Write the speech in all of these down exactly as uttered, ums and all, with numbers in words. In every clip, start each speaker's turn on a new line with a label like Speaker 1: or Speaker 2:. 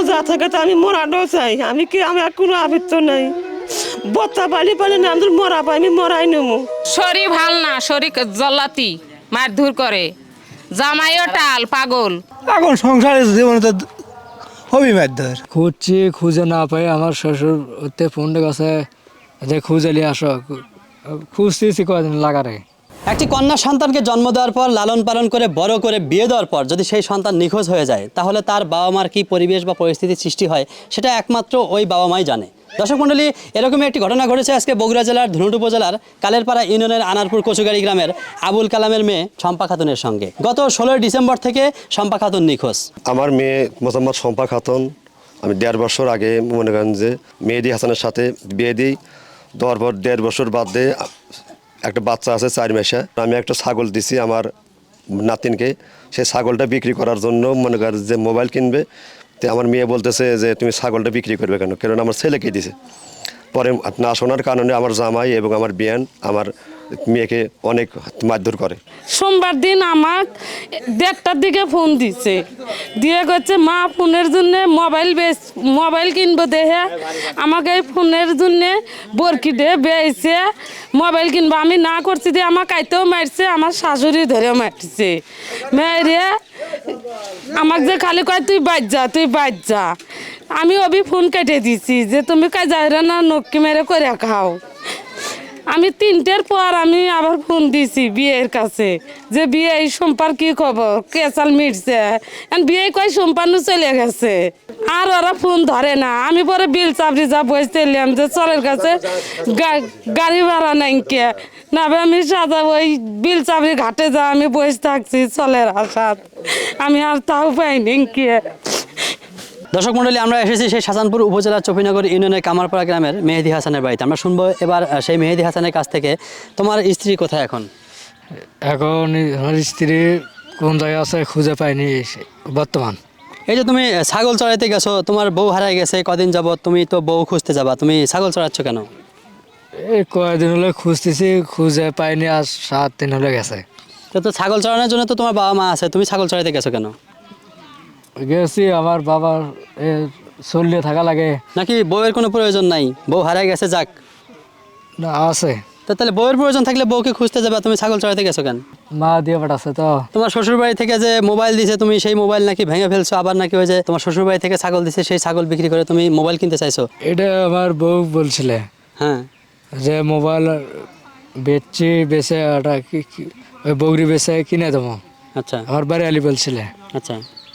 Speaker 1: যা থাকে তা আমি মরাটাও চাই। আমি কি আমি আর কোনো আবৃত্ত নাই, বত্তা পালি পালি না আমাদের মরা পাই, আমি মরাই নেবো।
Speaker 2: শরীর ভাল না, শরীর জল্লাতি মারধর করে, জামাইও টাল পাগল।
Speaker 3: এখন সংসারের জীবনে তো হবি মারধর।
Speaker 4: খুঁজছি, খুঁজে না পাই আমার শ্বশুর ওতে ফোনটা কাছে যে খুঁজে নিয়ে আসো, খুঁজতেছি কদিন লাগারে।
Speaker 5: একটি কন্যা সন্তানকে জন্ম দেওয়ার পর লালন পালন করে বড় করে বিয়ে দেওয়ার পর যদি সেই সন্তান নিখোঁজ হয়ে যায়, তাহলে তার বাবা মার কী পরিবেশ বা পরিস্থিতির সৃষ্টি হয় সেটা একমাত্র ওই বাবা মাই জানে। দর্শক মণ্ডলী, এরকমই একটি ঘটনা ঘটেছে আজকে বগুড়া জেলার ধুনট উপজেলার কালেরপাড়া ইউনিয়নের আনারপুর কচুগাড়ি গ্রামের আবুল কালামের মেয়ে শম্পা খাতুনের সঙ্গে। গত ষোলোই ডিসেম্বর থেকে শম্পা খাতুন নিখোঁজ।
Speaker 6: আমার মেয়ে মোহাম্মদ শম্পা খাতুন, আমি দেড় বছর আগে মনে করেন যে মেহেদি হাসানের সাথে বিয়ে দিই। দেওয়ার পর দেড় বছর বাদ দিয়ে একটা বাচ্চা আছে চার মাসে। আমি একটা ছাগল দিছি আমার নাতিনকে, সেই ছাগলটা বিক্রি করার জন্য মনে করেন যে মোবাইল কিনবে। তো আমার মেয়ে বলতেছে যে তুমি ছাগলটা বিক্রি করবে কেন, কারণ আমার ছেলেকে দিছে। পরে না শোনার কারণে আমার জামাই এবং আমার বিয়ান আমার মেয়েকে অনেক মারধর করে।
Speaker 2: সোমবার দিন আমার দেড়টার দিকে ফোন দিছে, দিয়ে করছে মা ফোনের জন্য মোবাইল বেচ মোবাইল কিনবো দেহে, আমাকে এই ফোনের জন্য বরকি দিয়ে বেয়েছে মোবাইল কিনবো। আমি না করছি দিয়ে আমার কাইতেও মারছে, আমার শাশুড়ি ধরেও মারছে। মেয়েরে আমাকে যে খালি কয় তুই বাজ যা, তুই বাজ যা। আমি অবি ফোন কেটে দিছি যে তুমি কাজ যাইরা না নক্কি মেরে করে খাও। আমি তিনটের পর আমি আবার ফোন দিছি বিয়ের কাছে যে বিয়ে এই সোমবার কি খবর, কেসাল মিটছে। বিয়ে কয় সোমবারও চলে গেছে, আর ওরা ফোন ধরে না। আমি পরে বিল চাপড়ি যা বসতেলাম যে চলের কাছে গাড়ি ভাড়া নাই কে না, আমি সাদা ওই বিল চাপড়ি ঘাটে যা আমি বসে থাকছি চলের আশাত, আমি আর তাও পাইনি কে।
Speaker 5: দর্শক মণ্ডলী, আমরা এসেছি সেই শাহজাহানপুর উপজেলার চপিনগর ইউনিয়নের কামারপাড়া গ্রামের মেহেদি হাসানের বাড়িতে। আমরা শুনবো এবার সেই মেহেদি হাসানের কাছ থেকে, তোমার স্ত্রী কোথায় এখন?
Speaker 4: এখন আমার স্ত্রী কোন জায়গায় আছে খুঁজে পাইনি বর্তমান।
Speaker 5: এই যে তুমি ছাগল চড়াইতে গেছো, তোমার বউ হারাই গেছে কদিন যাবত, তুমি তো বউ খুঁজতে যাবা, তুমি ছাগল চড়াচ্ছ কেন?
Speaker 4: এই কয়েকদিন হলে খুঁজতেছি, খুঁজে পাইনি, আর সাত দিন হলে গেছে।
Speaker 5: তো তো ছাগল চড়ানোর জন্য তো তোমার বাবা মা আছে, তুমি ছাগল চড়াইতে গেছো কেন?
Speaker 4: গেছি আমার বাবার চলিয়ে থাকা লাগে।
Speaker 5: নাকি বউয়ের কোনো প্রয়োজন নাই, বউ হারাই গেছে যাক?
Speaker 4: না আছে।
Speaker 5: তো তাহলে বউয়ের প্রয়োজন থাকলে বউকে খুঁজতে যাবে, তুমি ছাগল চড়াইতে গেছো কেন?
Speaker 4: মা দিয়ে পাঠাচ্ছে তো।
Speaker 5: তোমার শ্বশুর বাড়ি থেকে যে মোবাইল দিছে, তুমি সেই মোবাইল নাকি ভেঙে ফেলছো, আবার নাকি ওই যে তোমার শ্বশুর বাড়ি থেকে ছাগল দিছে সেই ছাগল বিক্রি করে তুমি মোবাইল কিনতে চাইছো।
Speaker 4: এটা আমার বউ বলছিলে
Speaker 5: হ্যাঁ,
Speaker 4: যে মোবাইল বেচছি, বেচে ওটা ওই বগরি বেচে কিনে দেবো।
Speaker 5: আচ্ছা,
Speaker 4: আমার বাড়ি আলি বলছিলে।
Speaker 5: আচ্ছা,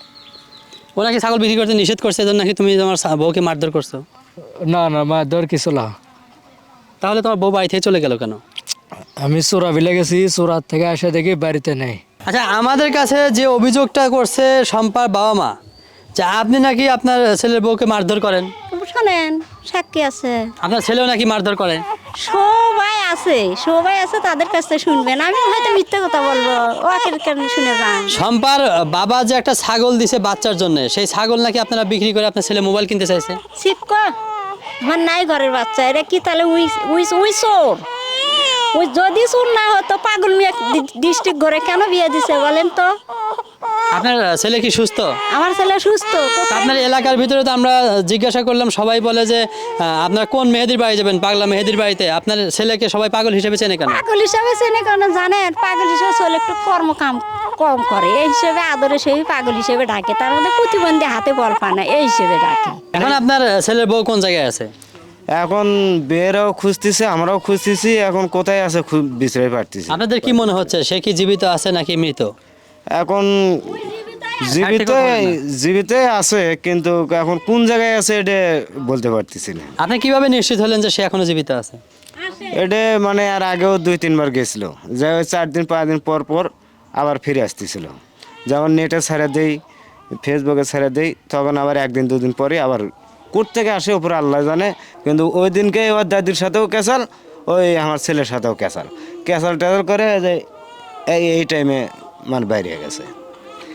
Speaker 5: ও নাকি ছাগল বিক্রি করতে নিষেধ করছে, এজন্য নাকি তুমি তোমার বউকে মারধর করছো?
Speaker 4: না না, মা দর কিছু না।
Speaker 5: তাহলে তোমার বউ বাড়ি থেকে চলে গেল কেন?
Speaker 4: আমি চোরা বিলে গেছি, চোরার থেকে এসে দেখি বাড়িতে নেই।
Speaker 5: আচ্ছা, আমাদের কাছে যে অভিযোগটা করছে শম্পার বাবা মা, যে আপনি নাকি আপনার ছেলের বউকে মারধর করেন।
Speaker 7: শোনেন, সাক্ষী আছে,
Speaker 5: আপনার ছেলেও নাকি মারধর করে।
Speaker 7: সবাই আছে, সবাই আছে, তাদের কাছে শুনবেন। আমি হয়তো মিথ্যা কথা বলবো, ওকে কেন শুনে যান।
Speaker 5: শম্পার বাবা যে একটা ছাগল দিছে বাচ্চার জন্য, সেই ছাগল নাকি আপনারা বিক্রি করে আপনার ছেলে মোবাইল কিনতে চাইছে।
Speaker 7: শিবকো, আমার নাই ঘরের বাচ্চা, এটা কি তাহলে উই উই উই চোর? ওই যদি চোর না হতো পাগল মিয়া ডিস্ট্রিক্ট ঘরে কেন বিয়ে দিছে বলেন তো?
Speaker 5: আপনার ছেলে কি সুস্থ?
Speaker 7: আমার ছেলে সুস্থ।
Speaker 5: আপনার এলাকার ভিতরে তো আমরা জিজ্ঞাসা করলাম, সবাই বলে যে আপনার কোন মেহেদির বাড়ি যাবেন, পাগলা মেহেদির বাড়িতে। আপনার ছেলেকে সবাই পাগল হিসেবে চেনে কেন?
Speaker 7: পাগল হিসাবে চেনে কেন জানেন? পাগল হিসেবে চলে একটু কর্মকাম কম করে, এই হিসেবে আদরে সেই পাগল হিসেবে ডাকে। তার মধ্যে প্রতিবন্ধী হাতে বল পায় না, এই হিসেবে ডাকে।
Speaker 5: এখন আপনার ছেলের বউ কোন জায়গায় আছে?
Speaker 8: এখন বেয়েরাও খুঁজতেছে, আমরাও খুঁজতেছি, এখন কোথায় আছে বিচারে পারতেছি।
Speaker 5: আপনাদের কি মনে হচ্ছে সে কি জীবিত আছে নাকি মৃত?
Speaker 8: এখন জীবিত জীবিত আছে, কিন্তু এখন কোন জায়গায় আছে এটা বলতে পারতেছি না।
Speaker 5: আপনি কিভাবে নিশ্চিত হলেন যে সে এখনো জীবিত আছে?
Speaker 8: এটা মানে আর আগেও দুই তিনবার গেছিল, যে ওই চার দিন পাঁচ দিন পর পর আবার ফিরে আসতেছিল। যেমন নেটে ছেড়ে দেই, ফেসবুকে ছেড়ে দেই, তখন আবার একদিন দুদিন পরে আবার কোর্ট থেকে আসে, ওপরে আল্লাহ জানে। কিন্তু ওই দিনকে ওর দাদির সাথেও ক্যাসাল, ওই আমার ছেলের সাথেও ক্যাসাল ক্যাসাল ট্যাসাল করে যে এই এই টাইমে মানে বাইরে গেছে।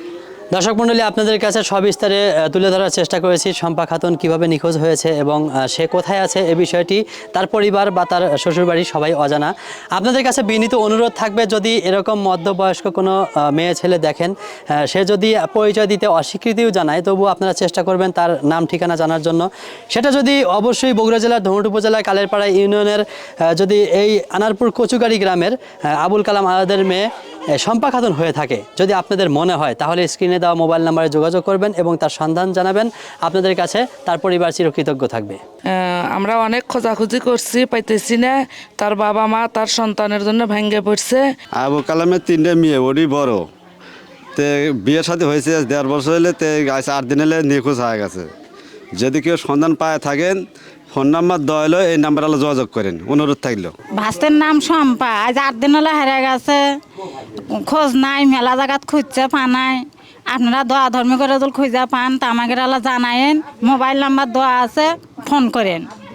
Speaker 5: দর্শক মণ্ডলী, আপনাদের কাছে সবিস্তারে আহ, তুলে ধরার চেষ্টা করেছি শম্পা খাতুন কিভাবে নিখোঁজ হয়েছে এবং আহ, সে কোথায় আছে এ বিষয়টি তার পরিবার বা তার শ্বশুরবাড়ি সবাই অজানা। আপনাদের কাছে বিনীত অনুরোধ থাকবে, যদি এরকম মধ্যবয়স্ক কোনো আহ, মেয়ে ছেলে দেখেন, আহ, সে যদি পরিচয় দিতে অস্বীকৃতিও জানায়, তবু আপনারা চেষ্টা করবেন তার নাম ঠিকানা জানার জন্য। সেটা যদি অবশ্যই বগুড়া জেলার ধুনট উপজেলার কালেরপাড়া ইউনিয়নের আহ, যদি এই আনারপুর কচুগাড়ি গ্রামের আহ, আবুল কালাম আজাদের মেয়ে আহ, শম্পা খাতুন হয়ে থাকে, যদি আপনাদের মনে হয় তাহলে স্ক্রিনে দেওয়া মোবাইল নাম্বারে যোগাযোগ করবেন এবং তার সন্ধান জানাবেন। আপনাদের কাছে তার পরিবার চিরকৃতজ্ঞ থাকবে।
Speaker 2: আহ, আমরা অনেক খোঁজাখুঁজি করছি, পাইতেছি না। তার বাবা মা তার সন্তানের জন্য ভেঙে পড়ছে।
Speaker 9: আবু কালামের তিনটে মেয়ে, ওরই বড়। তে বিয়ের সাথে হয়েছে দেড় বছর হলে, তে আজ আট দিন হলে নিখোঁজ হয়ে গেছে। যদি কেউ সন্ধান পায় থাকেন, ফোন নাম্বার দেওয়া হলো, এই নাম্বার হলে যোগাযোগ করেন, অনুরোধ থাকলো।
Speaker 7: ভাস্তের নাম শম্পা, আজ আট দিন হলে হারা গেছে, খোঁজ নাই, মেলা জায়গাত খুঁজছে পানায়। আপনারা দোয়া ধর্মী করে খুঁজে পান তা আমাকে জানায়েন, মোবাইল নাম্বার দেওয়া আছে, ফোন করেন।